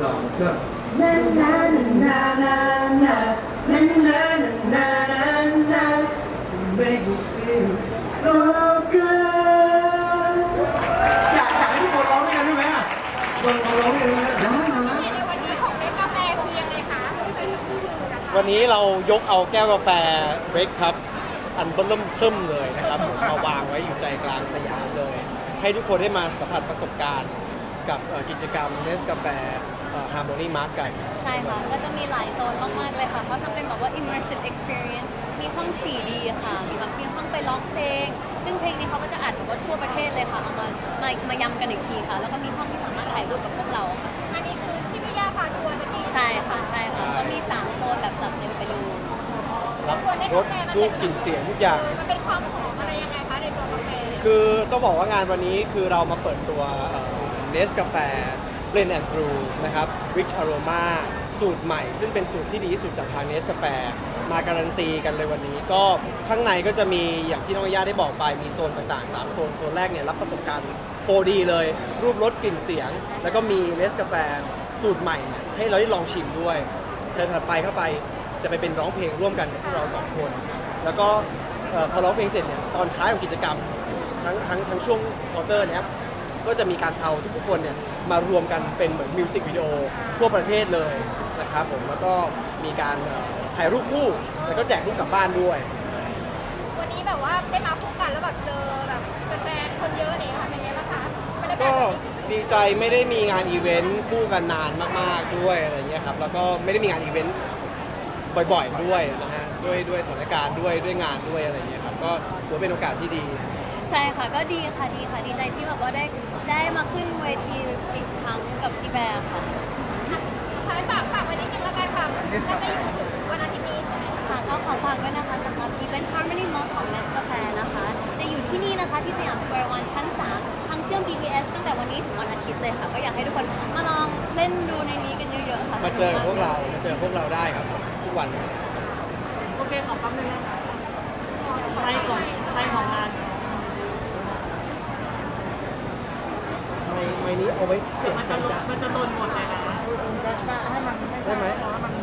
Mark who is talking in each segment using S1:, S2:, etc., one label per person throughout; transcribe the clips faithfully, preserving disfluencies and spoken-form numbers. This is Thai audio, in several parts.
S1: องสามนานานานานานานานานานานา make me feel so good อยากอยากให้ทุกคนร้องด้วยกันได้ไหมอ่ะลองลองร้องด้วยกันได้ไหมได้ไหม
S2: ในวันนี้ของเล็กกาแฟคือยังไงคะเป็นคู่มือนะคะ
S3: วันนี้เรายกเอาแก้วกาแฟเบรกครับอันเบิ่มเทิ่มเลยนะครับผมมาวางไว้อยู่ใจกลางสยามเลย ให้ทุกคนได้มาสัมผัสประสบการณ์กับเอ่อกิจกรรมเนสกาแฟฮาร์โมนีมาร์กกัน
S4: ใช่ค่ะ ก็จะมีหลายโซนมากๆเลยค่ะ เขาทำเป็นแบบว่า immersive experience มีห้อง สี่ดี ค่ะ มีแบบมีห้องไปร้องเพลง ซึ่งเพลงนี้เขาก็จะอัดแบบว่าทั่วประเทศเลยค่ะ เอามามามายำกันอีกทีค่ะ แล้วก็มีห้องที่สามารถถ่ายรูปกับพวกเราค่ะ
S2: อันนี้คือที่พี่ย่าพาทัวร์ตะกี้
S4: ใช่ค่ะ ใช่ค่ะ ก็มีสามโซนแบบจับเร็วไปเลย
S3: รับ
S2: ตัวเล็ก
S3: ร
S2: กา
S3: ส
S2: แฟมัน
S3: รู
S2: เป็
S3: ป
S2: น
S3: กลิ่นเสียงทุกอย่าง
S2: เมันเป็นความหอมอะไรยังไงคะในตัวกาแฟเนี่ย
S3: คือต้องบอกว่างานวันนี้คือเรามาเปิดตัวเนสกาแฟเบลนด์แอนด์บรูนะครับ Rich Aroma สูตรใหม่ ซึ่งเป็นสูตรที่ดีที่สุดจากทางเนสกาแฟมาการันตีกันเลยวันนี้ ก็ข้างในก็จะมีอย่างที่น้องย่าได้บอกไปมีโซนต่างๆ สาม โซน โซนแรกเนี่ยรับประสบการณ์ โฟร์ ดี เลย รูปรสกลิ่นเสียง แล้วก็มีเนสกาแฟสูตรใหม่เนี่ยให้เราได้ลองชิมด้วยเทิร์นถัดไปเข้าไปจะไปเป็นร้องเพลงร่วมกันกับพวกเราสองคน แล้วก็เอ่อพอร้องเพลงเสร็จเนี่ยตอนท้ายของกิจกรรม ทั้งทั้งทั้งช่วงควอเตอร์เนี้ยก็จะมีการเอาทุกๆคนเนี่ยมารวมกันเป็นเหมือนมิวสิกวิดีโอทั่วประเทศเลยนะครับผมแล้วก็มีการเอ่อถ่ายรูปคู่แล้วก็แจกรูปกลับบ้านด้วย
S2: วันนี้แบบว่าได้มาคู่กันแล้วแบบเจอแบบแฟนๆคนเยอะเนี่ยค่ะเป็นไงบ้างคะบรรยากาศ
S3: ก็
S2: แบบนี้คิดถึง
S3: ดีใจไม่ได้มีงานอีเวนต์คู่กันนานมากๆด้วยอะไรเงี้ยครับแล้วก็ไม่ได้มีงานอีเวนต์บ่อยๆด้วยนะฮะด้วยด้วยสถานการณ์ด้วยด้วยงานด้วยอะไรเงี้ยครับก็ถือว่าเป็นโอกาสที่ดี
S4: ใช่ค่ะ ก็ดีค่ะ ดีค่ะ ดีใจที่แบบว่าได้ได้มาขึ้นเวทีอีกครั้งกับพี่แบร์ค่ะ
S2: สุดท้ายฝากฝากไว้นิดนึงแล้วกันค่ะน่าจะอยู่ถึงวันอาทิตย์นี้ใช่ไหมคะ
S4: ค่ะก็ขอฝากด้วยนะคะสำหรับ Event Harmony Mug ของ Nescafe นะคะ จะอยู่ที่นี่นะคะที่สยามสแควร์วันชั้น สาม ทางเชื่อม บี ที เอส ตั้งแต่วันนี้ถึงวันอาทิตย์เลยค่ะ ก็อยากให้ทุกคนมาลองเล่นดูในนี้กันเยอะๆค่ะ
S3: มาเจอกับพวกเรา
S4: สนุ
S3: มาเจอพวกเราได้ครับทุกวัน
S5: โอเคขอแป๊บนึงนะคะไทยของไทยของงาน
S3: ไมไมนี้เอาไว้เสียง
S5: มัน
S3: กั
S5: จะ
S3: น
S5: หล่น
S3: จ้ะ
S5: มันจะหล่นหมดเลยนะ
S3: ได้ไหม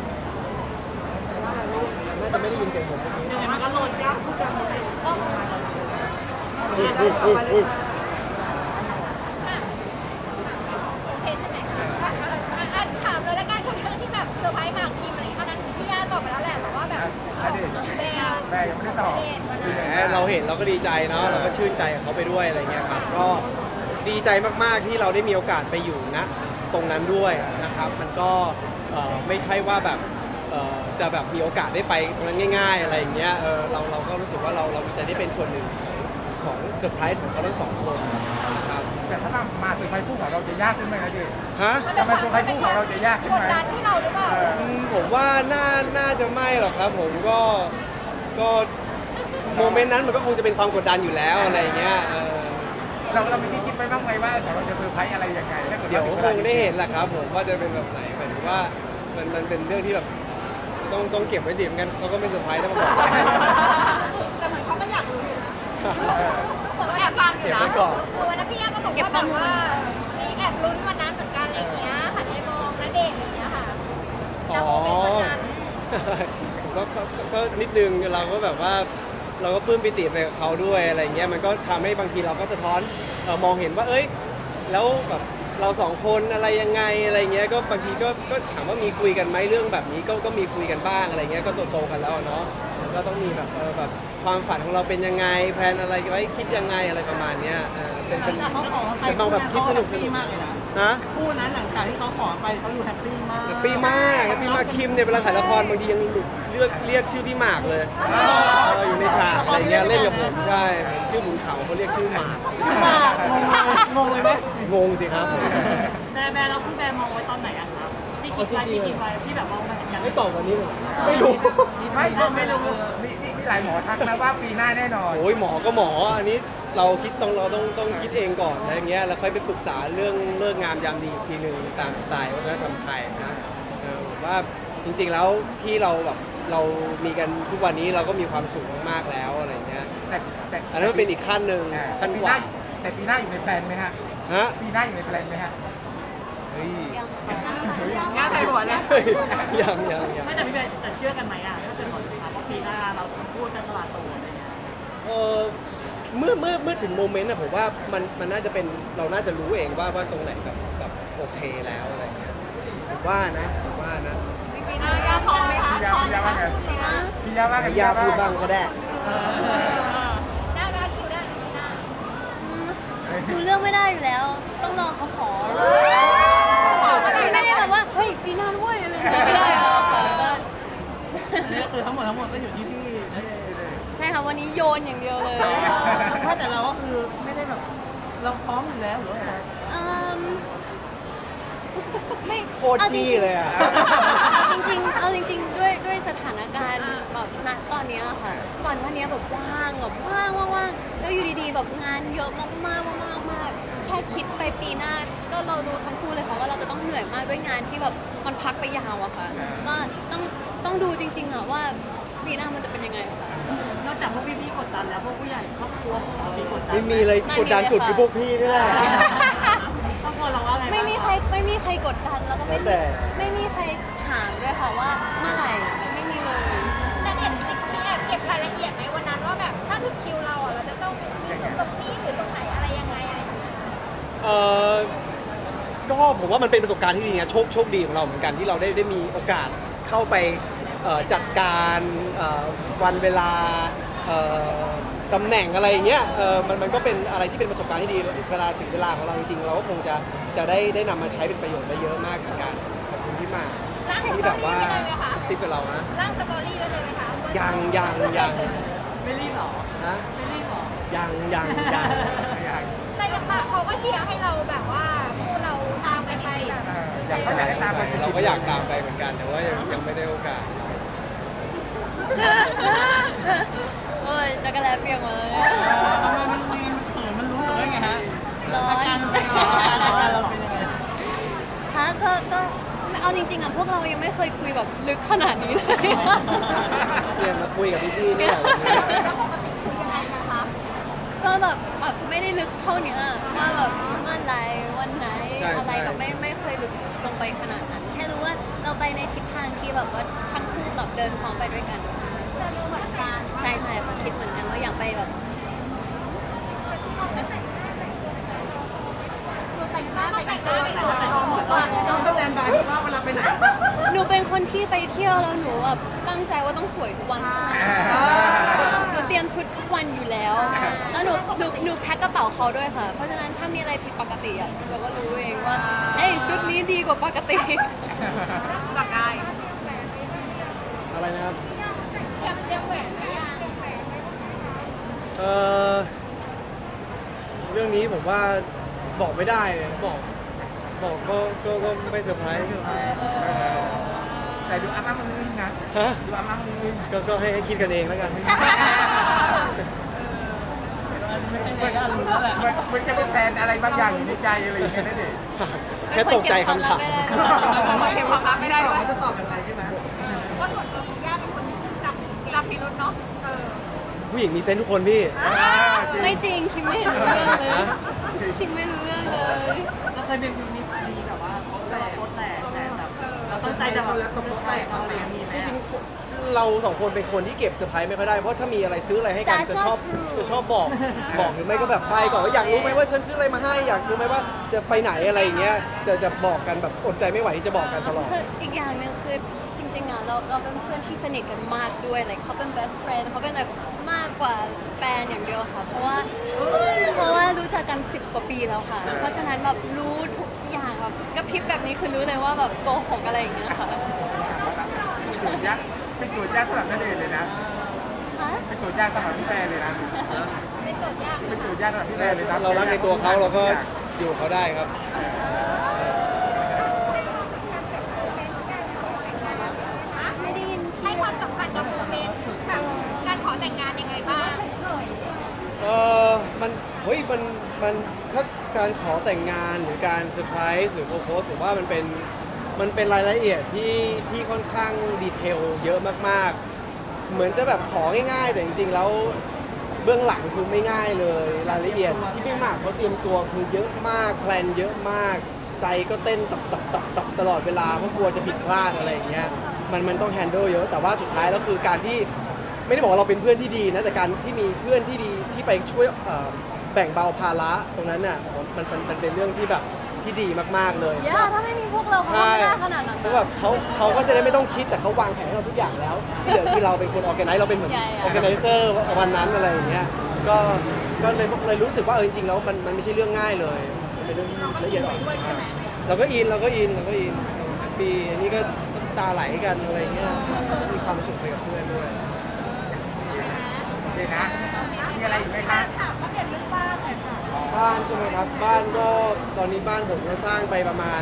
S3: น่าจะไม่ได้ยินเสียงผมเมื่อกี้
S5: ยังไงมันก็หล่นยากพูดกันหมดเลย
S3: อุ้ยอุ้ยอุ้ยอุ้ย
S2: อ่ะโอเคใช่ไหมอ่ะอ่ะอ่ะถามเลยแล้วกันกับเรื่องที่แบบเซอร์ไพรส์หมากคิมอะไรอย่างเงี้ยอันนั้นพี่ย่าตอบไปแล้วแหละแต่ว่าแบบ
S1: ณเดชน์
S2: แบร์
S1: แบร์ยังไม่ได้ตอบ
S2: ณเดชน์วันนั้น
S3: แหมเราเห็นเราก็ดีใจเนาะเราก็ชื่นใจกับเขาไปด้วยอะไรเงี้ยครับก็ดีใจมากๆที่เราได้มีโอกาสไปอยู่ณตรงนั้นด้วยนะครับมันก็เอ่อไม่ใช่ว่าแบบเอ่อจะแบบมีโอกาสได้ไปตรงนั้นง่าย ๆ อะไรอย่างเงี้ยเออเราเราก็รู้สึกว่าเราเราดีใจได้เป็นส่วนหนึ่งของของเซอร์ไพรส์ของเขาทั้งสองคนนะครับ
S1: แต่ถ้ามาเซอร์ไพรส์คู่ของเราจะยากขึ้นไหมนะเดชน์
S3: ฮะ
S1: ทำไมเซอร์ไพรส์คู่ของเราจะยากขึ้นไหม
S2: กดดันที่เราหรือเปล่า
S1: เออ
S3: อืมผมว่าน่าน่าจะไม่หรอกครับผมก็ก็โมเมนต์นั้นมันก็คงจะเป็นความกดดันอยู่แล้วอะไรอย่างเงี้ยเออ
S1: เราเราไม่ได้คิดไว้บ้างไหมว่าของเราจะเซอร์ไพรส์อะไรยังไงถ้าเกิด
S3: เดี๋ยว
S1: ถึ
S3: คงได้เห็นแหละครับผมว่าจะเป็นแบบไหนหมายถึงว่ามันมันเป็นเรื่องที่แบบต้องต้องเก็บไว้สิเหมือนกันเขาก็ไม่เซอร์ไพรส์ถ้ามาบอก
S5: แต่เหมือนเขาก็อยากรู้อยู่นะ
S2: ผมก็แอบฟังอยู่
S3: เก็บ
S2: นะ
S3: ไว้ก่อน
S2: คือวันนั้นพี่ย่าก็บอกว่าแบบว่ามีแอบลุ้นวันนั้นเหมือนกันอะไรอย่างเงี้ยหันไปมองณเดชน์อะไรอย่างเงี้ยค่ะแต่โมเมนต์วันนั้น
S3: ผมก็ก็ก็ก็นิดนึงเราก็แบบว่าเราก็ปลื้มปิติไปกับเขาด้วยอะไรเงี้ยมันก็ทำให้บางทีเราก็สะท้อนเอ่อมองเห็นว่าเอ้ยแล้วแบบเราสองคนอะไรยังไงอะไรเงี้ยก็บางทีก็ก็ถามว่ามีคุยกันไหมเรื่องแบบนี้ก็ก็มีคุยกันบ้างอะไรเงี้ยก็โตๆกันแล้วอะเนาะมันก็ต้องมีแบบเออแบบความฝันของเราเป็นยังไงแพลนอะไรไว้คิดยังไงอะไรประมาณเนี้ยเออเป็นเป็น
S5: เขาขอไป
S3: เป็นมองแบบคิดสนุกสนุก
S5: มากเลยนะ
S3: นะ
S5: คู่นั้นหลังจากที่เขาขอไปเขาอยู่แฮปปี้มาก
S3: แฮปปี้มากแฮปปี้มากคิมเนี่ยเวลาถ่ายละครบางทียังเลือกเรียกชื่อพี่หมากเลยเอออยู่ในฉากอะไรเงี้ยเล่นกับผมใช่ชื่อขุนเขาเขาเรียกชื่อหมาก
S5: ชื่อมากงงเลยงงเลยไหม
S3: งงสิครับ
S5: แบร์แบร์เราคุณแบร์มองไว้ตอนไหนอะครับที่คิดไว้ที่คิดไว้ที่แบบมองมาเห็นกัน
S3: ไม่ตอบวันนี้เหรอไม่รู้
S1: ไม่
S5: ไม่รู้
S1: มีมีมีหลายหมอทักนะว่าปีหน้าแน่นอน
S3: โอ้ยหมอก็หมออันนี้เราคิดต้องเราต้องต้องคิดเองก่อนอะไรเงี้ยแล้วค่อยไปปรึกษาเรื่องเลิกงามยามดีอีกทีหนึ่งตามสไตล์วัฒนธรรมไทยนะเออผมว่าจริงๆแล้วที่เราแบบเรามีกันทุกวันนี้เราก็มีความสุขมากๆแล้วอะไรเงี้ย
S1: แต่แต่
S3: อันนั้นมันเป็นอีกขั้นหนึ่ง
S1: อ่า
S3: ขั้น
S1: ปี
S3: ก
S1: หน้า
S3: ว่า
S1: แต่ปีหน้าอยู่ในแพลนไหมฮะ
S3: ฮะ
S1: ปีหน้าอยู่ในแพลนไหมฮะ
S3: ฮฮ้ย
S4: ยังค่ะ
S2: ง่ายไปหัวเลย
S3: เฮ้ยยังยังยัง
S5: ไม่แต่พี่เบนแต่เชื่อกันไหมอ่ะถ้าเกิดหมดสุดท้ายว่าปีหน้าเราทั้งคู่จะสละโสดอะไรเงี้ย
S3: เออเมื่อเมื่อเมื่อถึงโมเมนต์อะผมว่ามันมันน่าจะเป็นเราน่าจะรู้เองว่าว่าตรงไหนแบบแบบโอเคแล้วอะไรเงี้ยผมว่านะผมว่านะ
S2: ปีหน้าย่าพร้อมไหมคะ
S6: พี่ยาพี่ยาว่าไงพี่ยาว่าไง
S3: ให้ย่าพูดบ้างก็ได้
S2: ได้ไหมคะคิวได้ไหมปีหน้า
S4: อืมดูเรื่องไม่ได้อยู่แล้ว ต้องรอเขาขอไม่ได้แบบว่า เฮ้ย ปีหน้าด้วยอะไรอย่างเงี้ยไม่ได้หรอกค่ะก็
S5: อันนี้ก็คือทั้งหมดทั้งหมดก็อยู่ที่พี่นะ
S4: ใช่ค่ะ วันนี้โยนอย่างเดียวเลย
S5: ถ้าแต่เราก็คือไม่ได้แบบเราพร้อมอยู่แล้วหรือว่าไง
S4: อืมไม่
S3: โคตรจี้เลยอะ
S4: เอาจริงๆเอาจริง ๆ ด้วยด้วยสถานการณ์แบบณตอนเนี้ยค่ะ ก่อนหน้านี้แบบว่างแบบว่างว่างๆแล้วอยู่ดีๆแบบงานเยอะมากๆมากๆมากๆแค่คิดไปปีหน้าก็เรารู้ทั้งคู่เลยค่ะว่าเราจะต้องเหนื่อยมากด้วยงานที่แบบมันพักไปยาวอะค่ะ ก็ต้องต้องดูจริงๆอะว่าปีหน้ามันจะเป็นยังไงค่ะ
S5: นอกจากพวกพี่ๆกดดันแล้วพวกผู้ใหญ่ครอบครัวของเรามีกดดัน
S3: ไม่มีเลยกดดันสุดคือพวกพี่นี่แหละ
S5: ครอบครัวเราว่าไงบ้าง
S4: ไม่มีใครไม่มีใครกดดันแล้วก็ไม่
S3: แล้วแต่
S4: มีไม่มีใครถามด้วยค่ะว่าเมื่อไหร่ไม่มีเลย
S2: แต่เนี่ยจริงๆมีแอบเก็บรายละเอียดไหมวันนั้นว่าแบบถ้าถึงคิวเราอ่ะเราจะต้องมีจุดตรงนี้หรือตรงไหนอะไรยังไงอะไรอย่างเงี้ย
S3: เออก็ผมว่ามันเป็นประสบการณ์ที่ดีนะโชคโชคดีของเราเหมือนกันที่เราได้ได้มีโอกาสเข้าไปเอ่อจัดการเอ่อวันเวลาเอ่อตำแหน่งอะไรอย่างเงี้ยเออมันมันก็เป็นอะไรที่เป็นประสบการณ์ที่ดีเวลาถึงเวลาของเราจริงๆเราก็คงจะจะได้ได้นำมาใช้เป็นประโยชน์ได้เยอะมากเหมือนกันขอบคุณที่มา
S2: ร่างส
S3: ที่
S2: ต
S3: แบ
S2: อบ รี่
S3: ว่า
S2: ไปเลยไหมคะ
S3: ซุบซิบกับเรานะ
S2: ร่างสตอรี่ไปเลยไหมคะ
S3: ยังยังยัง
S5: ไม่รีบหรอ
S3: นะ
S5: ไม่รีบหรอ
S3: ยังยังยัง
S2: แต่ยังปาเขาก็เชียร์ให้เราแบบว่าคู่เราตามกันไปแบบ
S6: อยากอยากให้ตามไป
S3: เราก็อยากตามไปเหมือนกันแต่ว่ายังยังไม่ได้โอกาส
S4: โอ้ยจักรแลเปียกหมาเลย
S5: มันมีมันเขินมันรู้หรือไงฮะ
S4: ร้อ
S5: อาน การเป็นยังไงอาการเราเป็นยังไง
S4: ฮะก็ก็เอาจริงๆอ่ะพวกเรายังไม่เคยคุยแบบลึกขนาดนี้เลย
S3: เรียนมาคุยกับพี่ๆนี่แหละวันนี้
S2: แล้วปกติคือยังไงนะคะ
S4: ก็แบบแบบไม่ได้ลึกเท่านี้ว่าแบบเมื่อไหรวันไหนอะไรแบบไม่ไม่เคยลึกลงไปขนาดนั้น แค่รู้ว่าเราไปในทิศทางที่แบบว่าทั้งคู่แบบเดินพร้อมไปด้วยกัน
S2: เหมือนกัน
S4: ใช่ใช่ค่ะคิดเหมือนกันว่าอยากไปแบบ
S2: คือแต่งหน้าแต่งหน้าแต่งตัวแต่งตัว
S5: ต้องสแตนบายว่าเวลาไปไหน
S4: หนูเป็นคนที่ไปเที่ยวแล้วหนูแบบตั้งใจว่าต้องสวยทุกวันใช่ไหมหนูเตรียมชุดทุกวันอยู่แล้ว แล้วหนูหนูหนูแพ็คกระเป๋าเขาด้วยค่ะ เพราะฉะนั้นถ้ามีอะไรผิดปกติอ่ะเราก็รู้เองว่าเอ้ยชุดนี้ดีกว่าปกติ
S2: จับได้
S3: อะไรนะครับ
S2: เตรียมเตรียมแหวนไหมอ่ะ
S3: เออเรื่องนี้ผมว่าบอกไม่ได้เลยบอก บอกก็ก็ก็ไม่เซอร์ไพรส์
S6: แต่ดูอาม่ามืออึ้งนะ
S3: ฮะ
S6: ดูอาม่ามืออึ้ง
S3: ก็ก็ให้ให้คิดกันเองแล้วกัน
S5: ไม่เป็นไรก็รู้แล้วแหละ
S6: เหมือนเหมือนจะเป็นแฟนอะไรบางอย่างอยู่ในใจอะไรอย่างเงี้ยนั่นเอง
S3: แค่ตกใจคำถาม
S4: ไม่เก็บความลับไม่ได้
S2: เก็บความลับไม่ได้ด้วยจะตอบยังไงใช่ไหมว่าส่วนตัวคุณย่าเป็นคนจับผิดจับพิรุธเนาะเออ
S3: ผู้หญิงมีเซนส์ทุกคนพี่
S4: ไม่จริงคิมไม่เห็นรู้เรื่องเลยคิมไม่รู้เรื่องเลย
S5: เราเคยเป็นมีมีแบบว่าโป๊ะแตกโป๊ะแตกแต่แบบเราตั้งใจจะแบบโป๊ะแตกเขาเลยมีไหม
S3: จริงๆเราสองคนเป็นคนที่เก็บเซอร์ไพรส์ไม่ค่อยได้ เพราะถ้ามีอะไรซื้ออะไรให้กัน
S4: That's
S3: จะชอบ
S4: not true
S3: จะชอบบอกบอกหรือไม่ก็แบบไปก่อนว่าอยากรู้ไหมว่าฉันซื้ออะไรมาให้อยากรู้ไหมว่าจะไปไหนอะไรอย่างเงี้ยจะจะบอกกันแบบอดใจไม่ไหวที่จะบอกกันตลอด
S4: คืออีกอย่างหนึ่งคือจริงๆอ่ะเราเราเป็นเพื่อนที่สนิทกันมากด้วย like เขาเป็น best friend เขาเป็นแบบมากกว่าแฟนอย่างเดียวค่ะ เพราะว่าเพราะว่ารู้จักกันสิบกว่าปีแล้วค่ะ เพราะฉะนั้นแบบรู้ทุกอย่างแบบกระพริบแบบนี้คือรู้เลยว่าแบบโกหกอะไรอย่างเงี้ยค่ะ
S6: โจทย์ยากเป็นโจทย์ยากสำหรับนั่นเองเลยนะ
S4: ฮะ
S6: เป็นโจทย์ยากสำหรับพี่แพรเลยนะ
S2: เป็นโจทย์ยากไหม
S6: เป็นโจ
S2: คะ
S6: ทย์ยากสำหรับพี่แพรเลยนะ
S3: เรารักในตัวเขาเราก็อยู่กับเขาได้ครับ
S4: ไม่ได้ยิน
S2: ให้
S4: พี่
S2: ความสำคัญกับโมเมนต์แบบการขอแต่งงานยังไงบ้าง
S3: เออมันเฮ้ยมันมันถ้าการขอแต่งงานหรือการเซอร์ไพรส์หรือโปรโพสผมว่ามันเป็นมันเป็นรายละเอียดที่ที่ค่อนข้างดีเทลเยอะมากๆ เหมือนจะแบบของ่ายๆ แต่จริงๆแล้วเบื้องหลังคือไม่ง่ายเลย รายละเอียดที่ไม่มากเพราะเตรียมตัวคือเยอะมากแพลนเยอะมากใจก็เต้นตับตับตับตับตลอดเวลาเพราะกลัวจะผิดพลาดอะไรอย่างเงี้ยมันมันต้องแฮนด์ลเยอะแต่ว่าสุดท้ายแล้วคือการที่ไม่ได้บอกว่าเราเป็นเพื่อนที่ดีนะแต่การที่มีเพื่อนที่ดีที่ไปช่วยเอ่อแบ่งเบาภาระตรงนั้นน่ะผมมันมันมันเป็นเรื่องที่แบบที่ดีมากๆเลย
S4: เยอะถ้าไม่มีพวกเราเขาก็ไม่ได้ขนาดนั้น
S3: เพราะแบบเขาเขาก็จะได้ไม่ต้องคิดแต่เขาวางแผนให้เราทุกอย่างแล้ว ที่เหลือคือเราเป็นคนออแกไนซ์เราเป็นเหมือน
S4: ใช่
S3: ออแกไนเซอร์วันนั้นอะไรอย่างเงี้ยก็ก็เลยเลยรู้สึกว่าเออจริงๆแล้วมันมันไม่ใช่เรื่องง่ายเลยมันเป็นเรื่องที่ละเอียดอ่อนมากเราก็อินเราก็อินเราก็อินปีนี้ก็ตาไหลกันอะไรเงี้ยมีความสุขไปกับเพื่อนด้วย
S6: โอเคนะ มีอะไรอีกไหมคะ
S2: ถามว่าเปลี่ยนเรื่องบ้านหน่อยค่ะ
S3: บ้านใช่ไหมครับบ้านก็ตอนนี้บ้านผมก็สร้างไปประมาณ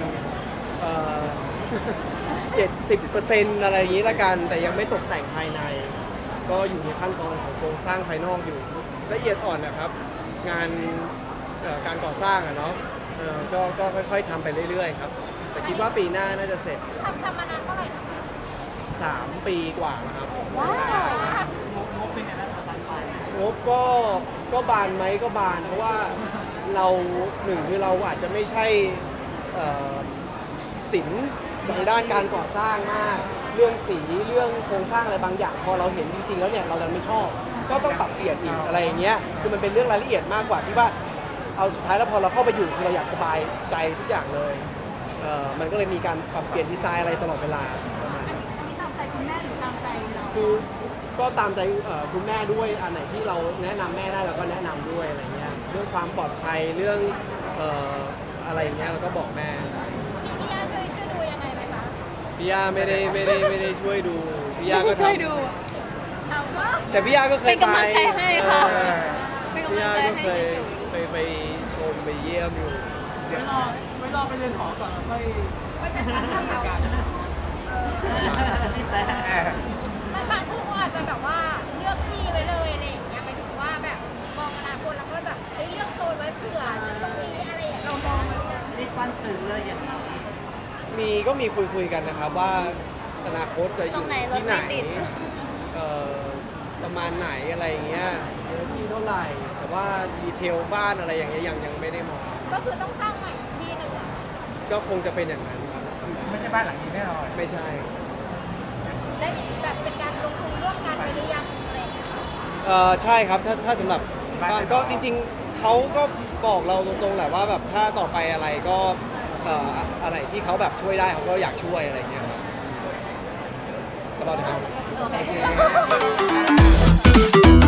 S3: เจ็ดสิบเปอร์เซ็นต์อะไรอย่างนี้ละกันแต่ยังไม่ตกแต่งภายใน ก็อยู่ในขั้นตอนของโครงสร้างภายนอกอยู่ละเอียดอ่อนนะครับ งานเอ่อการก่อสร้างอะเนาะเอ่อก็ก็ค่อยๆทำไปเรื่อยๆครับแต่คิดว่าปีหน้าน่าจะเสร็จ
S2: ทำทำมานานเท่าไหร่นะ
S3: สามปีกว่าแล้วครับ
S4: ว้าว
S5: งบงบเป็นไงบ้างคะบานปลาย
S3: งบก็ก็บานไหมก็บานเพราะว่าเราหนึ่งคือเราอาจจะไม่ใช่เอ่อศิลป์ทางด้านการก่อสร้างมาก เรื่องสีเรื่องโครงสร้างอะไรบางอย่าง พอเราเห็นจริง ๆ แล้วเนี่ยเราดันไม่ชอบ ก็ต้องปรับเปลี่ยนอีกอะไรอย่างเงี้ยคือมันเป็นเรื่องรายละเอียดมากกว่าที่ว่าเอาสุดท้ายแล้วพอเราเข้าไปอยู่คือเราอยากสบายใจทุกอย่างเลยเอ่อมันก็เลยมีการปรับเปลี่ยนดีไซน์อะไรตลอดเวลาประมาณนั้น
S2: อันนี้ตามใจคุณแม่หรือตามใจเรา
S3: คือก็ตามใจเอ่อคุณแม่ด้วยอันไหนที่เราแนะนำแม่ได้เราก็แนะนำด้วยอะไรเงี้ยเรื่องความปลอดภัยเรื่องเอ่ออะไรอย่างเงี้ยเราก็บอกแม่
S2: พี่พี่ย่าช่วยช่วยดูยังไงไหมคะ
S3: พี่ย่าไม่ได้ไม่ได้ไม่ได้ช่วยดูพี่ย่าก็ทำ
S4: ช่วยดู
S2: เอาว่า
S3: แต่พี่ย่าก็เคย
S4: เป็นกำลังใจให้ค่ะ
S3: เออ
S4: เป็น
S3: พี่
S4: กำลัง
S3: ย่า
S4: ใจ
S3: ก็
S4: ให้
S3: เคย
S4: เฉย
S3: ไปไปชมไปเยี่ยมอยู่
S5: ไว้รอไว้รอไปเรียนหอก่อนแล้วค่อย
S2: ไม่จัดการทำเรา
S5: การที่แปล
S6: เออบ
S2: างบางที่เขาอาจจะแบบว่าเลือกที่ไว้เลยอะไรอย่างเงี้ยหมายถึงว่าแบบมองอนาคตแล้วก็แบบเฮ้ยเลือกโซนไว้เผื่อฉันตรงนี้อะไรอย่างเงี้ยเรามองมาหรือยัง
S5: รีบฟันสื่อเลยอย่างนี้
S3: มีก็มีคุยคุยๆกันนะครับว่าอนาคตจะอ
S4: ตร
S3: ยู่
S4: งไหนรถ
S3: ที่ไหน
S4: ไม่ติด
S3: เอ่อประมาณไหนอะไรอย่างเงี้ยเนื้อที่เท่าไหร่แต่ว่าดีเทลบ้านอะไรอย่างเงี้ยยังยังไม่ได้มอง
S2: ก็คือต้องสร้างใหม่อีกที่หนึ่งอะ
S3: ก็คงจะเป็นอย่างนั้นครับ
S6: ไม่ใช่บ้านหลังนี้แน่นอน
S3: ไม่ใช่
S2: ได้มีแบบเป็นการลงทุนร่วมกันไปหรือยังอะไรอย่างเงี้ย
S3: เอ่อใช่ครับถ้าถ้าสำหรับบ้านก็จริงๆเขาก็บอกเราตรงๆแหละว่าแบบถ้าต่อไปอะไรก็เอ่ออะไรที่เขาแบบช่วยได้เขาก็อยากช่วยอะไรอย่างเงี้ยครับ About the house
S4: โอเค
S6: โอเค